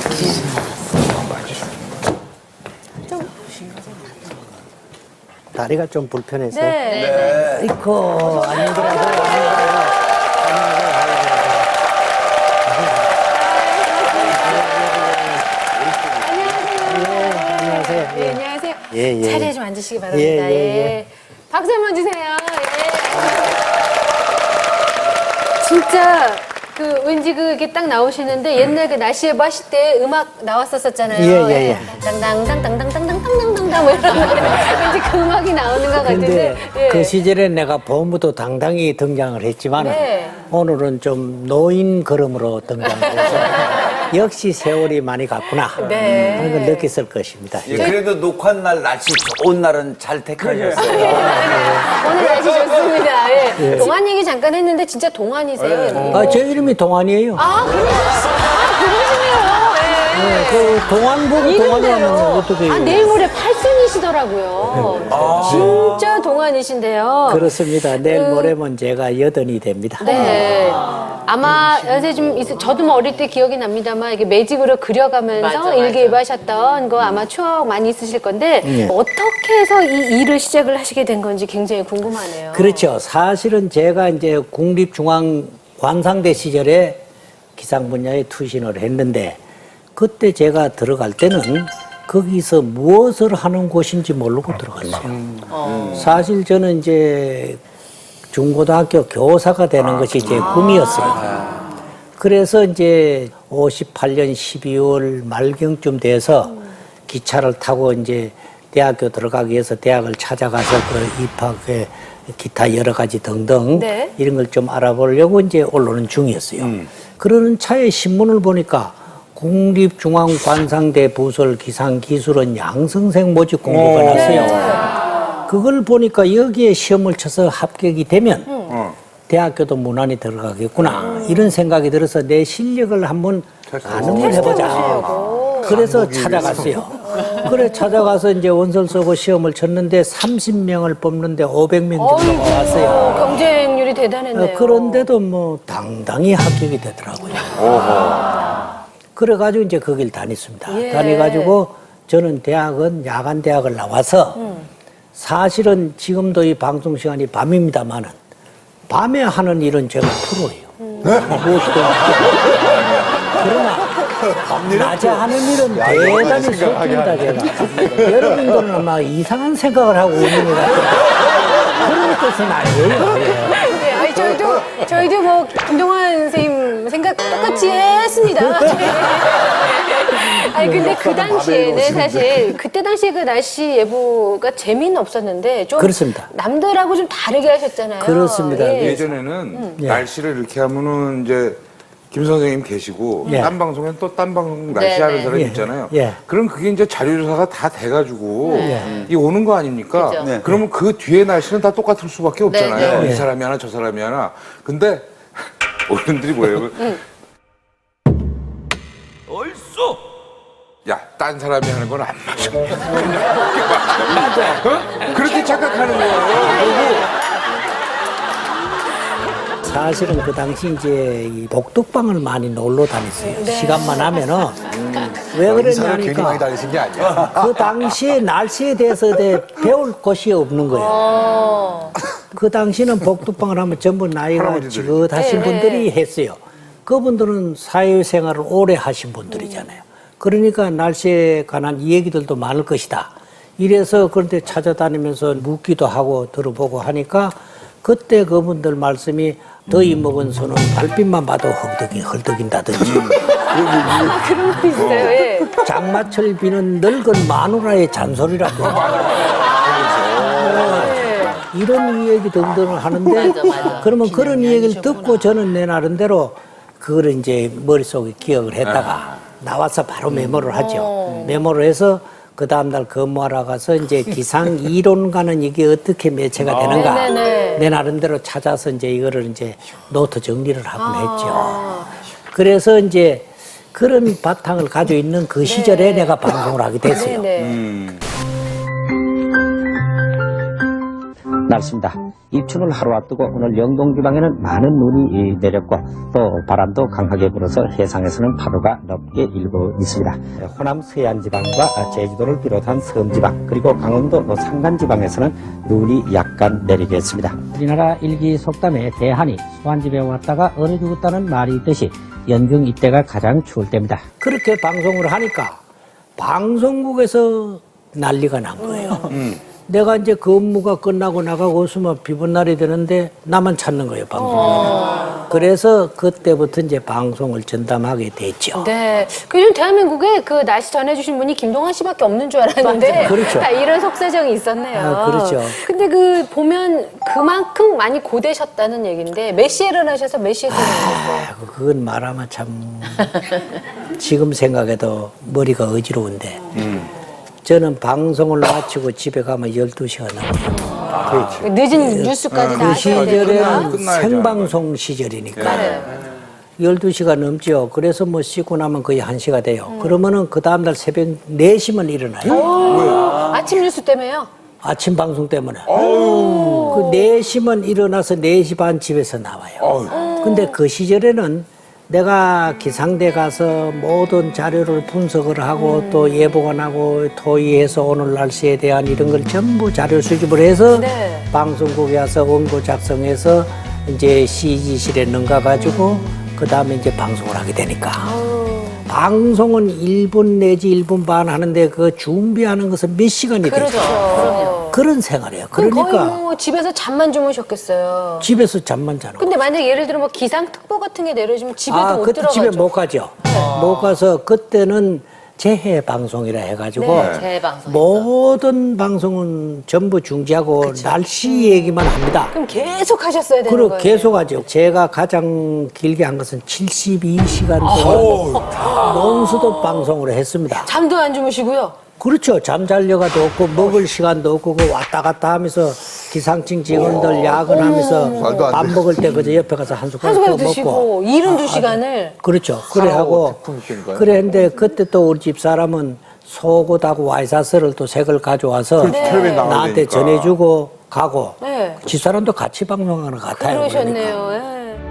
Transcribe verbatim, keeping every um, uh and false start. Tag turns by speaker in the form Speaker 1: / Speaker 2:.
Speaker 1: 다리가 좀 불편해서.
Speaker 2: 네.
Speaker 1: 이코 아니더라고요. 안녕하세요.
Speaker 2: 네, 안녕하세요.
Speaker 1: 예, 예.
Speaker 2: 자리에 좀 앉으시기 바랍니다.
Speaker 1: 예, 예,
Speaker 2: 예.
Speaker 1: 예.
Speaker 2: 박수 한번 주세요. 예. 진짜 그 왠지 그게 딱 나오시는데 옛날 그 날씨에 뭐 하실 때 음악 나왔었었잖아요.
Speaker 1: 예, 예, 예.
Speaker 2: 당당당당당당당당당당 뭐 이런 노래. 왠지 그 음악이 나오는 것
Speaker 1: 근데
Speaker 2: 같은데. 예.
Speaker 1: 그 시절에 내가 보험부도 당당히 등장을 했지만
Speaker 2: 네.
Speaker 1: 오늘은 좀 노인 걸음으로 등장해서 역시 세월이 많이 갔구나
Speaker 2: 네.
Speaker 1: 하는 걸 느꼈을 것입니다.
Speaker 3: 예, 그래도 녹화 날 날씨 좋은 날은 잘 택하셨어요.
Speaker 2: 오늘 날씨 좋습니다. 예. 동안 얘기 잠깐 했는데 진짜 동안이세요?
Speaker 1: 아, 제 이름이 동안이에요.
Speaker 2: 아, 그래? 아, 그러시네요. 예.
Speaker 1: 네, 그 동안 보고 동안이 하면 어떻게 해요?
Speaker 2: 아, 내일 모레 팔순이시더라고요. 진짜 동안이신데요.
Speaker 1: 그렇습니다. 내일 모레면 제가 여든이 됩니다.
Speaker 2: 네. 아마 연세 좀 있, 저도 뭐 어릴 때 기억이 납니다만 이게 매직으로 그려가면서
Speaker 4: 맞아,
Speaker 2: 일기예보하셨던 거 아마 추억 많이 있으실 건데
Speaker 1: 예.
Speaker 2: 어떻게 해서 이 일을 시작을 하시게 된 건지 굉장히 궁금하네요.
Speaker 1: 그렇죠. 사실은 제가 이제 국립중앙관상대 시절에 기상 분야에 투신을 했는데 그때 제가 들어갈 때는 거기서 무엇을 하는 곳인지 모르고 들어갔어요. 사실 저는 이제 중고등학교 교사가 되는 것이 제 꿈이었어요. 그래서 이제 오십팔 년 십이월 말경쯤 돼서 기차를 타고 이제 대학교 들어가기 위해서 대학을 찾아가서 그 입학에 기타 여러 가지 등등
Speaker 2: 네.
Speaker 1: 이런 걸 좀 알아보려고 이제 올라오는 중이었어요. 그러는 차에 신문을 보니까 국립중앙관상대 부설 기상기술원 양성생 모집 공고가 났어요. 그걸 보니까 여기에 시험을 쳐서 합격이 되면 대학교도 무난히 들어가겠구나 이런 생각이 들어서 내 실력을 한번 가늠을 해보자. 그래서 찾아갔어요. 그래 찾아가서 이제 원서를 쓰고 시험을 쳤는데 삼십 명을 뽑는데 오백 명 정도가 왔어요.
Speaker 2: 경쟁률이 대단했네요.
Speaker 1: 어, 그런데도 뭐 당당히 합격이 되더라고요. 그래가지고 이제 거길 다녔습니다.
Speaker 2: 예.
Speaker 1: 다녀가지고 저는 대학은 야간 대학을 나와서 사실은 지금도 이 방송 시간이 밤입니다만은 밤에 하는 일은 제가 프로예요. 무엇이든 그러나 낮에 하는 일은 대단히 서툴다 제가. 여러분들은 아마 이상한 생각을 하고 있는 것 같아요. 그런 뜻은 아니에요. 예.
Speaker 2: 네, 아니, 저희도, 저희도 뭐, 김동완 선생님 생각 똑같이 했습니다. 아니, 근데 그 당시에는 사실, 그때 당시에 그 날씨 예보가 재미는 없었는데, 좀.
Speaker 1: 그렇습니다.
Speaker 2: 남들하고 좀 다르게 하셨잖아요.
Speaker 1: 그렇습니다.
Speaker 2: 예.
Speaker 5: 예전에는
Speaker 1: 예.
Speaker 5: 날씨를 이렇게 하면은 이제 김 선생님 계시고
Speaker 1: 예.
Speaker 5: 딴 방송엔 또 딴 방송 날씨
Speaker 4: 네,
Speaker 5: 하는
Speaker 4: 네.
Speaker 5: 사람
Speaker 1: 예.
Speaker 5: 있잖아요.
Speaker 1: 예.
Speaker 5: 그럼 그게 이제 자료조사가 다 돼가지고
Speaker 1: 예.
Speaker 5: 이 오는 거 아닙니까?
Speaker 4: 그죠.
Speaker 5: 네. 그러면 그 뒤에 날씨는 다 똑같을 수밖에 없잖아요.
Speaker 1: 네.
Speaker 5: 이 사람이 하나 저 사람이 하나. 근데 어른들이 뭐예요? 얼쏘! 야, 딴 사람이 하는 건 안 맞아. 맞아. 어? 그렇게 착각하는 거예요.
Speaker 1: 사실은 그 당시 이제 이 복덕방을 많이 놀러 다녔어요. 시간만 하면은 왜 그랬냐니까
Speaker 3: 다니신 게 아니야.
Speaker 1: 그 당시에 날씨에 대해서 대- 배울 곳이 없는 거예요. 그 당시는 복덕방을 하면 전부 나이가 지긋하신
Speaker 2: 네,
Speaker 1: 분들이 했어요. 그분들은 사회생활을 오래 하신 분들이잖아요. 그러니까 날씨에 관한 이야기들도 많을 것이다. 이래서 그런데 찾아다니면서 묻기도 하고 들어보고 하니까 그때 그분들 말씀이 더위 먹은 손은 달빛만 봐도 헐떡이 헐떡인다든지
Speaker 2: 그런 거 있어요, 예.
Speaker 1: 장마철 비는 늙은 마누라의 잔소리라든지 이런 이야기 등등을 하는데
Speaker 4: 맞아, 맞아.
Speaker 1: 그러면 그런 이야기를 듣고 저는 내 나름대로 그걸 이제 머릿속에 기억을 했다가 나와서 바로 메모를 하죠. 메모를 해서 그 다음날 근무하러 가서 이제 기상 이론과는 이게 어떻게 매체가 되는가
Speaker 2: 네네네.
Speaker 1: 내 나름대로 찾아서 이제 이거를 이제 노트 정리를 하곤 했죠. 그래서 이제 그런 바탕을 가지고 있는 그 시절에 내가 방송을 하게 됐어요.
Speaker 2: 네네.
Speaker 1: 날씨입니다. 입춘을 하루 앞두고 오늘 영동 지방에는 많은 눈이 내렸고 또 바람도 강하게 불어서 해상에서는 파도가 높게 일고 있습니다. 호남 서해안 지방과 제주도를 비롯한 섬 지방 그리고 강원도 산간 지방에서는 눈이 약간 내리겠습니다. 우리나라 일기 속담에 대한이 소환집에 왔다가 얼어 죽었다는 말이 있듯이 연중 이때가 가장 추울 때입니다. 그렇게 방송을 하니까 방송국에서 난리가 난 거예요. 음. 내가 이제 근무가 끝나고 나가고 있으면 비번 날이 되는데 나만 찾는 거예요, 방송. 어. 그래서 그때부터 이제 방송을 전담하게 됐죠.
Speaker 2: 네. 요즘 대한민국에 그 날씨 전해주신 분이 김동완 씨밖에 없는 줄 알았는데.
Speaker 1: 그렇죠.
Speaker 2: 다 이런 속사정이 있었네요.
Speaker 1: 아, 그렇죠.
Speaker 2: 근데 그 보면 그만큼 많이 고되셨다는 얘기인데 몇 시에 일어나셔서 몇 시에 일어나셨어요?
Speaker 1: 아, 그건 말하면 참 지금 생각해도 머리가 어지러운데. 음. 저는 방송을 마치고 집에 가면 열두 시가 넘어요.
Speaker 5: 아, 그렇지.
Speaker 2: 늦은 뉴스까지 다
Speaker 1: 그
Speaker 2: 하셔야 되니까.
Speaker 1: 시절에는 생방송 시절이니까.
Speaker 2: 네.
Speaker 1: 열두 시가 넘죠. 그래서 뭐 씻고 나면 거의 한 시가 돼요. 음. 그러면은 그 다음날 새벽 네 시면 일어나요.
Speaker 2: 오. 아침 뉴스 때문에요?
Speaker 1: 아침 방송 때문에. 그 네 시면 일어나서 네 시 반 집에서 나와요.
Speaker 5: 어우.
Speaker 1: 근데 그 시절에는 내가 기상대 가서 모든 자료를 분석을 하고 음. 또 예보관하고 토의해서 오늘 날씨에 대한 이런 걸 전부 자료 수집을 해서
Speaker 2: 네.
Speaker 1: 방송국에 와서 원고 작성해서 이제 씨지실에 넘가가지고 음. 그 다음에 이제 방송을 하게 되니까. 아우. 방송은 일 분 내지 일 분 반 하는데 그 준비하는 것은 몇 시간이 되죠.
Speaker 2: 그렇죠. 그럼요.
Speaker 1: 그런 생활이에요.
Speaker 2: 그럼
Speaker 1: 그러니까
Speaker 2: 거의 뭐 집에서 잠만 주무셨겠어요.
Speaker 1: 집에서 잠만 자는
Speaker 2: 근데 만약 예를 들어 뭐 기상특보 같은 게 내려지면 집에도
Speaker 1: 아,
Speaker 2: 못
Speaker 1: 그때
Speaker 2: 들어가죠.
Speaker 1: 집에 못 가죠. 못 가서 그때는 재해 방송이라 해가지고
Speaker 2: 네, 재해 방송
Speaker 1: 모든 방송은 전부 중지하고
Speaker 2: 그쵸.
Speaker 1: 날씨 얘기만 합니다.
Speaker 2: 그럼 계속 하셨어야 되는
Speaker 1: 그리고
Speaker 2: 거예요.
Speaker 1: 계속 하죠. 제가 가장 길게 한 것은 칠십이 시간 동안 논스톱 방송을 했습니다.
Speaker 2: 잠도 안 주무시고요.
Speaker 1: 그렇죠. 잠잘려가도 없고 먹을 시간도 없고 그 왔다 갔다 하면서 기상청 직원들 야근하면서
Speaker 5: 말도 안
Speaker 1: 밥
Speaker 5: 돼.
Speaker 1: 먹을 때 그저 옆에 가서 한 숟가락
Speaker 2: 한 숟가락
Speaker 1: 더 먹고
Speaker 2: 드시고 일흔두 시간을
Speaker 1: 그렇죠. 그래 하고 그래 했는데 그때 또 우리 집 사람은 속옷하고 와이사스를 또 색을 가져와서
Speaker 5: 그렇지, 텔레비전 나가야
Speaker 1: 나한테
Speaker 5: 되니까.
Speaker 1: 전해주고 가고
Speaker 2: 네.
Speaker 1: 집 사람도 같이 방송하는 것 같아요.
Speaker 2: 그러셨네요.
Speaker 1: 그러니까.
Speaker 2: 예.